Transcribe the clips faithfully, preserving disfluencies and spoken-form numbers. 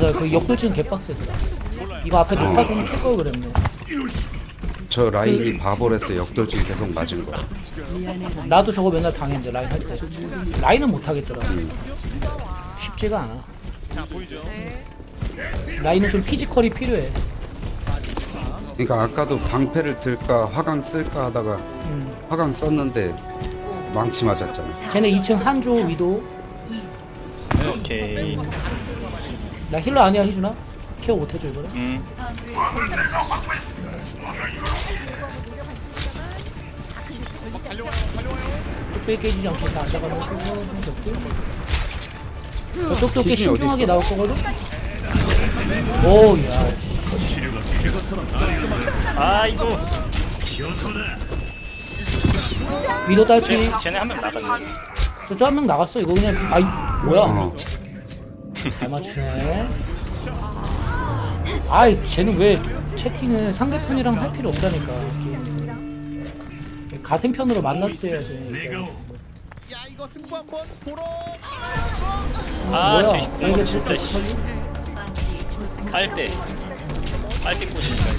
그래 그 역돌진 개빡세더라. 이거 앞에 녹화 좀 켤걸 그랬네. 저 라인이 바보래서 역돌진 계속 맞은 거야. 나도 저거 맨날 당했는데 라인 할 때. 라인은 못 하겠더라. 쉽지가 않아. 라인은 좀 피지컬이 필요해. 그러니까 아까도 방패를 들까 화강 쓸까 하다가 음. 화강 썼는데 망치 맞았잖아. 쟤네 이 층 한조 위도. 오케이. 나 힐러 아니야 희준아? 케어 못해줘 이거를? 음. 뚝배기 깨지지 않고 다 앉아가면서 쪽쪽게 기준이 신중하게 어딨어? 나올 거거든? 오야 아 이거. 위도 딸피. 쟤, 쟤네 한 명 나갔네. 저쪽 한 명 나갔어 이거 그냥. 아이 뭐야. 어. 잘 맞추네. 아이 쟤는 왜 채팅을 상대편이랑 할 필요 없다니까. 같은 편으로 만났어야지. 야 이거 승부 한번 보러 아, 뭐야? 저 이거 진짜 씨. 깔때 깔때 꽂으니까.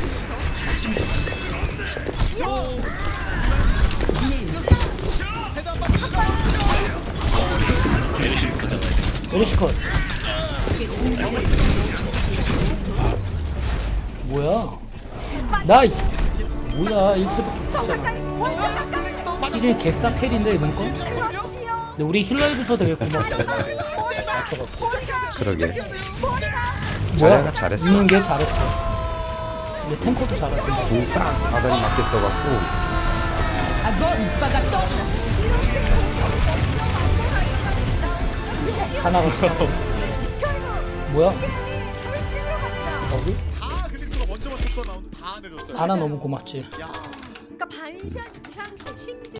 메르시 크잖아. 메리시컷. 뭐야? 나 이- 뭐야 이렇게 있잖아. 이게 개싸 캐리인데 이번 거? 근데 우리 힐러 해줘서 되게 고맙다. 맞춰갖고. 그러게. 뭐야? 자네가 잘했어. 있는 게 잘했어. 근데 탱커도 잘했어. 공딱 바닥에 맞게 써갖고 하나가 뭐야? 어디? 다 그리스가 먼저 맞췄던 라운드 다 내줬어요. 하나 너무 고맙지. 야 그러니까 반샷 이상씩 심지